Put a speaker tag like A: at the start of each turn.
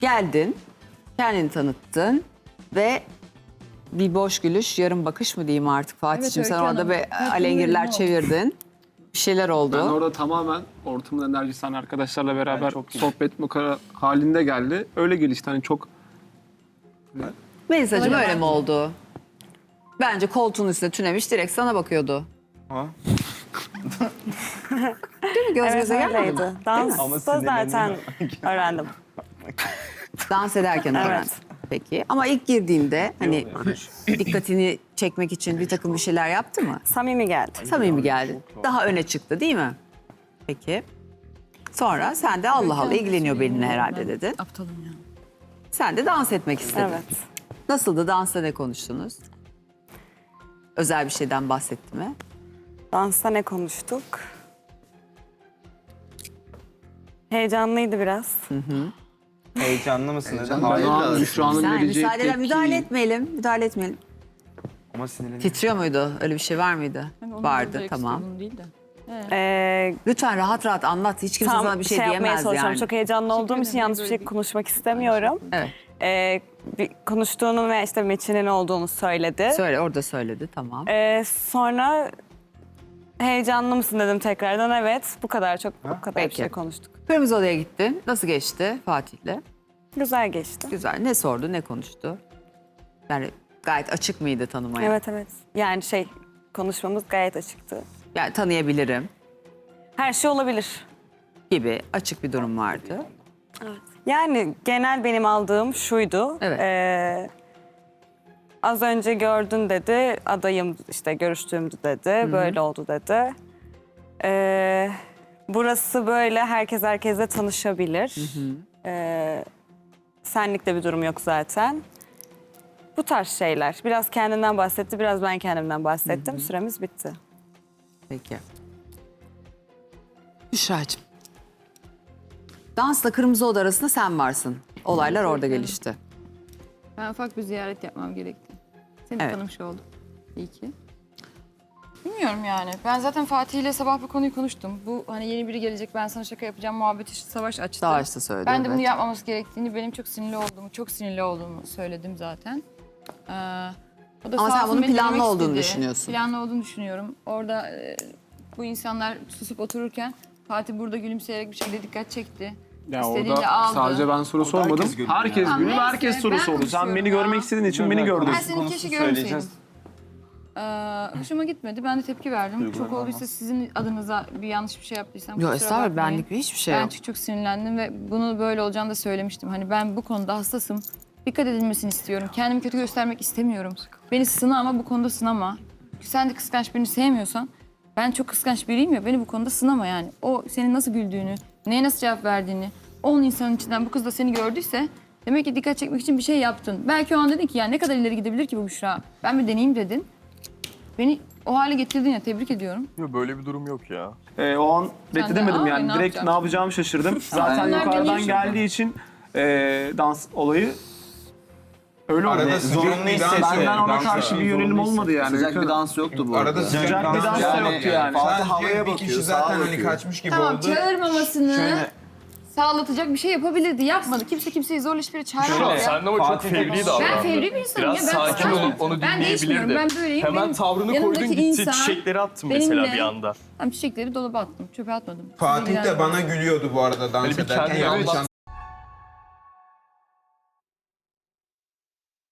A: Geldin, kendini tanıttın ve bir boş gülüş, yarım bakış mı diyeyim artık Fatih'ciğim. Sen
B: Öykü
A: orada
B: Hanım.
A: bir alengirler çevirdin. Bir şeyler oldu.
C: Ben orada tamamen ortamın enerjisi hani arkadaşlarla beraber sohbet makara halinde geldi. Öyle gelişti hani çok...
A: Melisa'cığım öyle mi oldu? Bence koltuğun üstüne tünemiş direkt sana bakıyordu.
D: Ha?
A: Değil mi? Göz
E: Evet
A: göze gelmedi mi?
E: öyleydi. Dansta zaten öğrendim.
A: Dans ederken öğrendin.
E: Evet.
A: Peki. Ama ilk girdiğinde hani dikkatini çekmek için bir takım bir şeyler yaptı mı?
E: Samimi geldi.
A: Samimi geldi. Daha öne çıktı değil mi? Peki. Sonra sen de Allah Allah ilgileniyor benimle herhalde dedin.
B: Aptalım ya.
A: Sen de dans etmek istedin.
E: Evet.
A: Nasıldı? Dansta ne konuştunuz? Özel bir şeyden bahsetti mi?
E: Dansta ne konuştuk? Heyecanlıydı biraz.
D: Heyecanlı mısın? Neden?
C: Ben o an Büşra'nın
A: Sen
C: vereceği
A: müdahale etmeyelim. Müdahale etmeyelim.
D: Ama sinirleniyorum.
A: Titriyor muydu? Öyle bir şey var mıydı?
B: Onun
A: Vardı,
B: direkt
A: tamam.
B: sorunum değil de.
A: Lütfen rahat rahat anlat. Hiç kimse
E: Tam
A: sana bir şey
E: yapmaya
A: diyemez
E: çalışıyorum.
A: yani.
E: Çok heyecanlı olduğum için
B: ederim,
E: yanlış bir
B: böyle
E: şey
B: değil.
E: konuşmak istemiyorum.
A: Evet.
E: Bir konuştuğunu ve işte Metin'in olduğunu söyledi.
A: Söyle, orada söyledi. Tamam.
E: Sonra heyecanlı mısın dedim tekrardan. Evet, bu kadar bu kadar bir
A: Peki.
E: şey konuştuk.
A: Kırmızı Oda'ya gittin. Nasıl geçti Fatih'le?
E: Güzel geçti.
A: Güzel. Ne sordu, ne konuştu? Yani gayet açık mıydı tanımaya?
E: Evet evet. Yani konuşmamız gayet açıktı.
A: Yani tanıyabilirim
E: Her şey olabilir.
A: gibi açık bir durum vardı.
E: Yani genel benim aldığım şuydu.
A: Evet.
E: Az önce gördün dedi, adayım işte görüştüğümdü dedi, böyle oldu dedi. Burası böyle, herkes herkesle tanışabilir. Senlik de bir durum yok zaten. Bu tarz şeyler. Biraz kendinden bahsetti, biraz ben kendimden bahsettim. Süremiz bitti.
A: Peki. Büşra'cığım. Dansla Kırmızı Oda arasında sen varsın. Olaylar orada gelişti.
B: Ben ufak bir ziyaret yapmam gerekti. Seni
A: Evet.
B: tanımış oldum. İyi ki. Bilmiyorum yani. Ben zaten Fatih ile sabah bu konuyu konuştum. Bu hani yeni biri gelecek, ben sana şaka yapacağım muhabbeti işte Savaş açtı.
A: Savaş da söyledi,
B: Ben de bunu
A: evet.
B: yapmaması gerektiğini, benim çok sinirli olduğumu söyledim zaten. O da
A: Ama
B: sağ
A: sen
B: olsun
A: bunun
B: beni
A: planlı
B: dinlemek
A: olduğunu
B: istedi.
A: düşünüyorsun.
B: Planlı olduğunu düşünüyorum. Orada bu insanlar susup otururken Fatih burada gülümseyerek bir şekilde dikkat çekti.
C: Ya
B: İstediğini
C: orada
B: aldı.
C: sadece ben soru sormadım.
D: herkes gülüyor
C: Herkes
B: ya.
C: gülüyor ve
B: Tamam,
C: herkes
B: neyse,
C: soru
B: ben
C: sordu. Sen
B: konuşuyorum
C: beni
B: ya.
C: görmek istediğin için beni gördün.
B: Ben seni keşke görmeseydim. Hoşuma gitmedi. Ben de tepki verdim. Çok olduysa sizin adınıza bir yanlış bir şey yaptıysam
A: Yok
B: kusura
A: estağfurullah
B: bakmayın.
A: benlik hiçbir şey
B: Ben
A: yok.
B: çünkü çok sinirlendim ve bunu böyle olacağını da söylemiştim. Hani ben bu konuda hassasım. Dikkat edilmesini istiyorum. Kendimi kötü göstermek istemiyorum. Beni sına ama bu konuda sınama. Sen de kıskanç birini sevmiyorsan, ben çok kıskanç biriyim ya, beni bu konuda sınama yani. O senin nasıl güldüğünü, neye nasıl cevap verdiğini, 10 insanın içinden bu kız da seni gördüyse demek ki dikkat çekmek için bir şey yaptın. Belki o an dedin ki ya ne kadar ileri gidebilir ki bu Büşra? Ben bir deneyeyim dedin. Beni o hale getirdin ya, tebrik ediyorum.
F: Yok böyle bir durum yok ya.
C: O an
B: Sen de,
C: bekledemedim
B: "Aa,
C: yani.
B: ne
C: Direkt
B: yapacağım?"
C: ne yapacağımı şaşırdım. Zaten
B: Onlar
C: yukarıdan
B: deniyor
C: geldiği için dans olayı öyle oldu.
D: Arada zorunlu hissettim.
C: Benden ona karşı bir yönelim olmadı yani.
G: Sıcak bir dans yoktu bu arada.
D: Arada
C: Sıcak bir dans da yoktu yani.
G: Fatih havaya
D: bir
G: bakıyor,
D: kişi
G: sağa
D: zaten hani
G: bakıyor.
D: kaçmış gibi
B: Tamam,
D: oldu.
B: çağırmamasını
D: Şöyle-
B: sağlatacak bir şey yapabilirdi. Yapmadı. Kimse kimseyi zorla hiçbir yere çağırmadı.
F: Sen de ama çok
D: Fatih
F: fevri
D: de-
F: davran.
B: Ben fevri bir insanım
F: Biraz
B: ya. Ben
F: sakin olup onu
B: Ben değişmiyorum.
F: dinleyebilirdi.
B: Ben böyleyim.
F: Hemen
B: Benim
F: tavrını
B: yanımdaki
F: koydun gitti
B: insan
F: çiçekleri attın mesela
B: benimle-
F: bir anda.
B: Tam çiçekleri dolaba attım. Çöpe atmadım.
D: Fatih de bana gülüyordu bu arada dans
F: Hani bir
D: ederken.
F: kendine
D: Yanlış
F: anlatsana